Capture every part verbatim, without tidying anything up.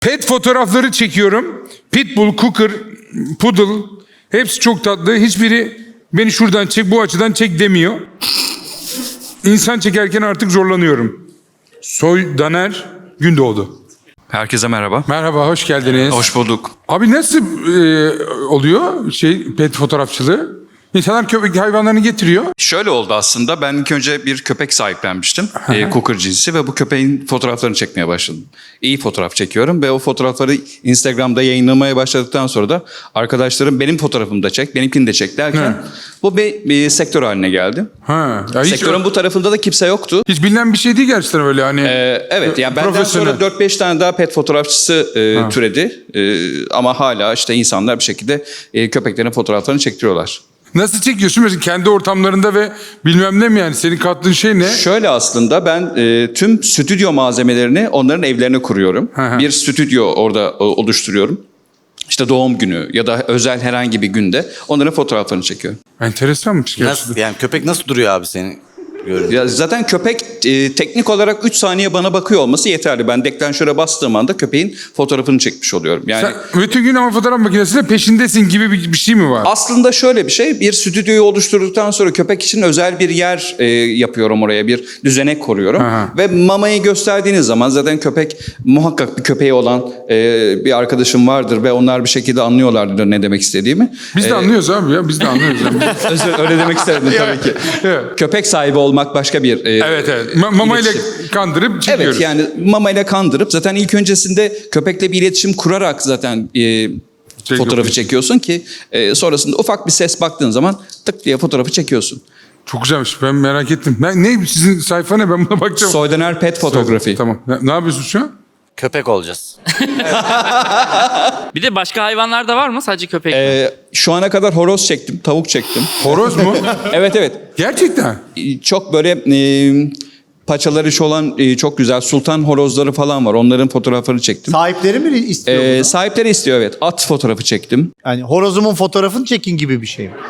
Pet fotoğrafları çekiyorum. Pitbull, Cooker, Poodle hepsi çok tatlı. Hiçbiri beni şuradan çek, bu açıdan çek demiyor. İnsan çekerken artık zorlanıyorum. Soy Daner Gündoğdu. Herkese merhaba. Merhaba, hoş geldiniz. Hoş bulduk. Abi nasıl e, oluyor şey pet fotoğrafçılığı? İnsanlar köpek hayvanlarını getiriyor. Şöyle oldu aslında. Ben ilk önce bir köpek sahiplenmiştim. e, Cooker cinsi ve bu köpeğin fotoğraflarını çekmeye başladım. İyi fotoğraf çekiyorum ve o fotoğrafları Instagram'da yayınlamaya başladıktan sonra da arkadaşlarım benim fotoğrafımı da çek, benimkini de çek derken He. bu bir, bir sektör haline geldi. Ha, ya hiç, Sektörün bu tarafında da kimse yoktu. hiç bilinen bir şey değil gerçekten öyle hani. Ee, evet yani benden profesyonel. sonra dört beş tane daha pet fotoğrafçısı e, türedi. E, ama hala işte insanlar bir şekilde e, köpeklerin fotoğraflarını çektiriyorlar. Nasıl çekiyorsun mesela kendi ortamlarında ve bilmem ne mi yani senin kattığın şey ne? Şöyle aslında ben e, tüm stüdyo malzemelerini onların evlerine kuruyorum. Hı hı. Bir stüdyo orada o, oluşturuyorum. İşte doğum günü ya da özel herhangi bir günde onların fotoğraflarını çekiyorum. Enteresanmış gerçekten. Nasıl, yani köpek nasıl duruyor abi senin görünce? Ya zaten köpek e, teknik olarak üç saniye bana bakıyor olması yeterli. Ben deklanşöre bastığım anda köpeğin fotoğrafını çekmiş oluyorum. Yani Sen bütün gün ama fotoğraf makinesiyle peşindesin gibi bir, bir şey mi var? aslında şöyle bir şey, bir stüdyoyu oluşturduktan sonra köpek için özel bir yer e, yapıyorum oraya, bir düzenek kuruyorum. Aha. Ve mamayı gösterdiğiniz zaman zaten köpek, muhakkak bir köpeği olan e, bir arkadaşım vardır ve onlar bir şekilde anlıyorlardır ne demek istediğimi. Biz de E, anlıyoruz abi ya biz de anlıyoruz. Yani. özür- öyle demek istemedim tabii ki. Evet. Köpek sahibi olmak başka bir e, Evet evet Ma- mamayla iletişim. kandırıp çekiyoruz. Evet yani mamayla kandırıp zaten ilk öncesinde köpekle bir iletişim kurarak zaten e, fotoğrafı çekiyorsun ki e, sonrasında ufak bir ses baktığın zaman tık diye fotoğrafı çekiyorsun. Çok güzelmiş ben merak ettim. Ne, ne sizin sayfa ne ben buna bakacağım. Soydaner Pet Fotoğrafı. Tamam. Ne, ne yapıyorsun şu an? Köpek olacağız. Bir de başka hayvanlar da var mı? Sadece köpek mi? E, şu ana kadar horoz çektim, tavuk çektim. Horoz mu? Evet evet. Gerçekten. E, Çok böyle e, paçaları şu olan e, çok güzel sultan horozları falan var. Onların fotoğraflarını çektim. Sahipleri mi istiyor E, bunu? sahipleri istiyor evet. At fotoğrafı çektim. Yani horozumun fotoğrafını çekin gibi bir şey mi?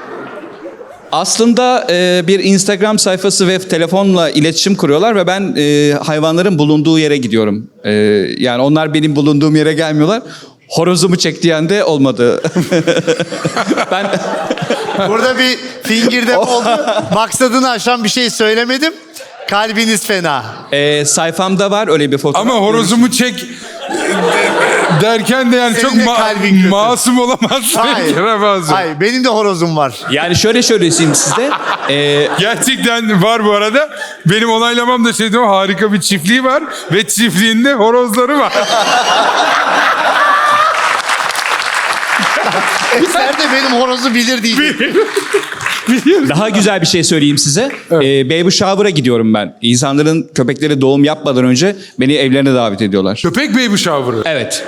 Aslında e, bir Instagram sayfası ve telefonla iletişim kuruyorlar ve ben e, hayvanların bulunduğu yere gidiyorum. E, yani onlar benim bulunduğum yere gelmiyorlar. Horozumu çek diyen de olmadı. ben Burada bir fingirdep oldu. Maksadını aşan bir şey söylemedim. Kalbiniz fena. e, sayfamda var öyle bir fotoğraf. Ama horozumu çek derken de yani Senin çok de ma- kalbin kötü. masum olamazsın. Hayır. Kerevazım. Hayır, benim de horozum var. Yani şöyle söyleyeyim size. E, Gerçekten var bu arada. Benim onaylamam da şeydi o harika bir çiftliği var ve çiftliğinde horozları var. Eser de benim horozu bilir diyecek. Daha güzel bir şey söyleyeyim size. E, baby shower'a gidiyorum ben. İnsanların köpekleri doğum yapmadan önce beni evlerine davet ediyorlar. Köpek baby shower'ı. Evet.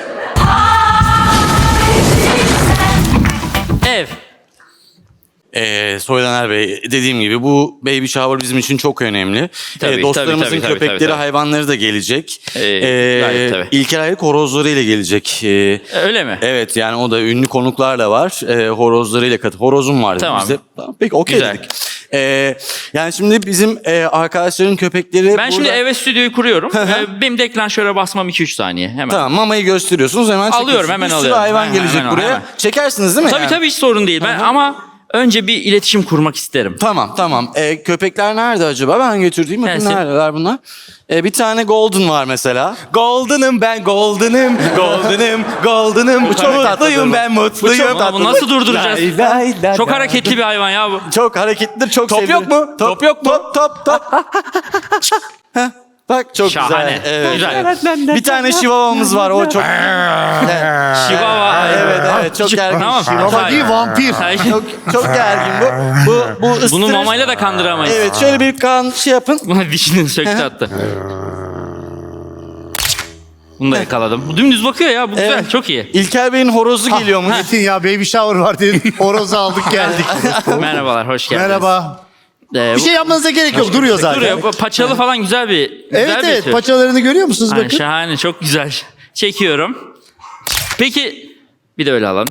Ev. Ee, Soydaner Bey, dediğim gibi bu baby shower bizim için çok önemli. Tabii, Ee, dostlarımızın tabii, tabii, köpekleri, tabii, tabii. hayvanları da gelecek. Ee, gayet tabii. İlker Ayrık horozlarıyla gelecek. Ee, Öyle mi? Evet yani o da ünlü konuklar da var. Ee, horozlarıyla katı. Horozum var dedi Tamam. bize. Tamam, peki okey Güzel. dedik. Ee, yani şimdi bizim e, arkadaşların köpekleri Ben şimdi burada- eve stüdyoyu kuruyorum. Ee, Benim deklanşöre basmam iki üç saniye. Hemen. Tamam mamayı gösteriyorsunuz hemen Alıyorum, çekiyorsunuz. hemen Bir sürü alıyorum. hayvan Hemen, gelecek hemen, buraya. hemen. Çekersiniz değil mi? Tabii yani? tabii hiç sorun değil. Ben ama önce bir iletişim kurmak isterim. Tamam tamam. Ee, köpekler nerede acaba? Ben götürdüğüm bakın Gelsin. neredeler bunlar? Ee, bir tane golden var mesela. Golden'ım ben golden'ım. Golden'ım golden'ım. Bu çok mutluyum ben mutluyum. Ama bu nasıl durduracağız? Lay, lay, lay, Çok lay. hareketli bir hayvan ya bu. Çok hareketlidir çok Top seviyorum. yok mu? Top yok mu? Top top top. Heh, Bak çok Şahane. güzel. Evet. Güzel. Bir tane şivavamız var o çok. Şivava. Evet evet çok gergin. Tamam. Baba değil, vampir. Çok çok gergin bu. Bu bu ıstırır. Bunu mamayla da kandıramayız. Evet şöyle bir kan şey yapın. Buna dişini söktü attı. Bunu da yakaladım. Bu dümdüz bakıyor ya. Bu güzel. Evet. Çok iyi. İlker Bey'in horozu geliyormuş. Metin ya baby shower var dedin. Horozu aldık geldik. Merhabalar. Hoş geldiniz. Merhaba. Ee, Bir şey yapmanıza gerek yok. Duruyor zaten. Duruyor. Paçalı falan güzel bir güzel Evet bir evet tür. paçalarını görüyor musunuz Aynen, bakın. şahane. Çok güzel. Çekiyorum. Peki bir de öyle alalım.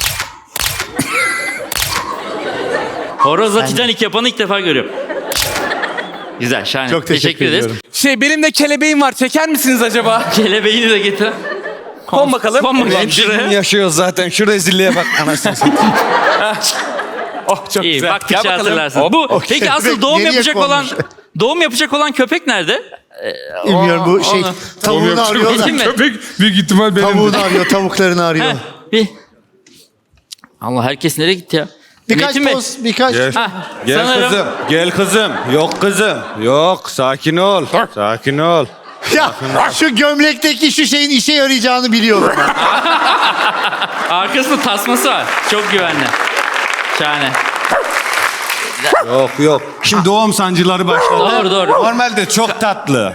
Horozla Titanic yapanı ilk defa görüyorum. Güzel, şahane. Çok teşekkür ederiz. ediyorum. Şey benim de kelebeğim var. Çeker misiniz acaba? Kelebeğini de getir. Kon bakalım. Kon bakalım Ulan şuraya. yaşıyoruz zaten. Şu rezilliğe bak. Anasını satayım. Oh çok İyi güzel. bak Gel piçi bakalım. hatırlarsın. Bu peki asıl doğum Nereye yapacak olan konmuş? doğum yapacak olan köpek nerede? Bilmiyorum bu şey onu- tavuğunu arıyor da. Kim mi? Köpek büyük ihtimal benim. Tavuğunu arıyor, tavuklarını arıyor. Heh, bir. Allah herkes nereye gitti ya? Birkaç Metin Bey. poz, birkaç. Gel. Hah, Gel sanırım- kızım. Gel kızım. Yok kızım. Yok. Sakin ol. Sakin ol. Ya şu gömlekteki şu şeyin işe yarayacağını biliyorum ben. Arkasında tasması var. Çok güvenli. Şahane. Yok yok. Şimdi doğum sancıları başladı. Doğru, doğru. Normalde çok tatlı.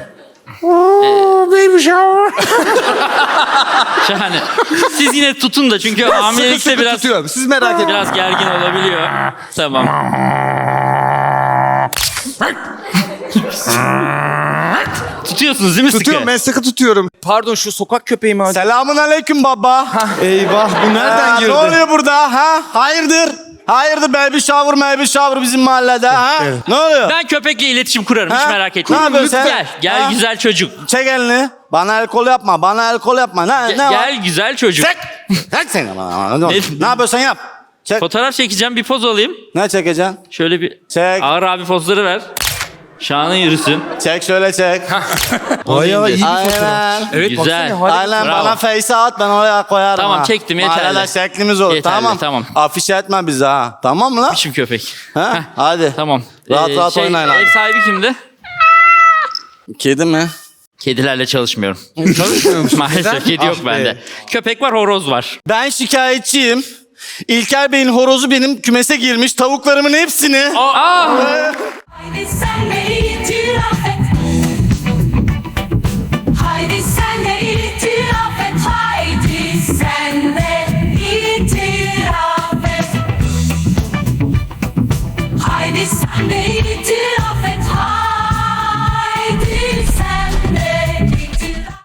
Şahane. Siz yine tutun da çünkü hamilelikte biraz tutuyorum. Siz merak etmeyin. biraz gergin olabiliyor. Tamam. Tutuyorsunuz değil mi sıkı? Tutuyorum. Ben sıkı tutuyorum. Pardon şu sokak köpeği mi? Selamun aleyküm baba. Eyvah. Bu nereden Ha, girdi? ne oluyor burada ha? Hayırdır? Hayırdır baby shower baby shower bizim mahallede ha? Ne oluyor? Ben köpekle iletişim kurarım hiç Ha? merak etmeyin. Ne yapıyorsun sen? Gel, gel Ha? güzel çocuk. Çek elini. Bana el kol yapma. Bana el kol yapma. Ne, Ge- ne var? gel güzel çocuk. Çek. Çek seni bana. Ne, Ne- ne yapıyorsan yap. Çek. Fotoğraf çekeceğim bir poz alayım. Ne çekeceksin? Şöyle bir Çek. ağır abi pozları ver. Şahane yürüsün. Çek şöyle çek. Bayağı iyi. Aynen. Evet Güzel. Aynen Bravo. bana face at ben oraya koyarım Tamam, ha. çektim, yeterli. Mahallede şeklimiz olur Yeterli, tamam. tamam. Afiş etme bizi ha. Tamam mı lan? Biçim köpek. Ha? Heh, Hadi. Tamam. Rahat rahat şey, oynayın abi. Ev sahibi kimdi? Kedi mi? Kedilerle çalışmıyorum. Çalışmıyor musun? Maalesef kedi yok Ah be. bende. Köpek var, horoz var. Ben şikayetçiyim. İlker Bey'in horozu benim kümese girmiş. Tavuklarımın hepsini. Aa! Haydi sen de itiraf et. Haydi sen de itiraf et. Haydi sen de itiraf et. Haydi sen de itiraf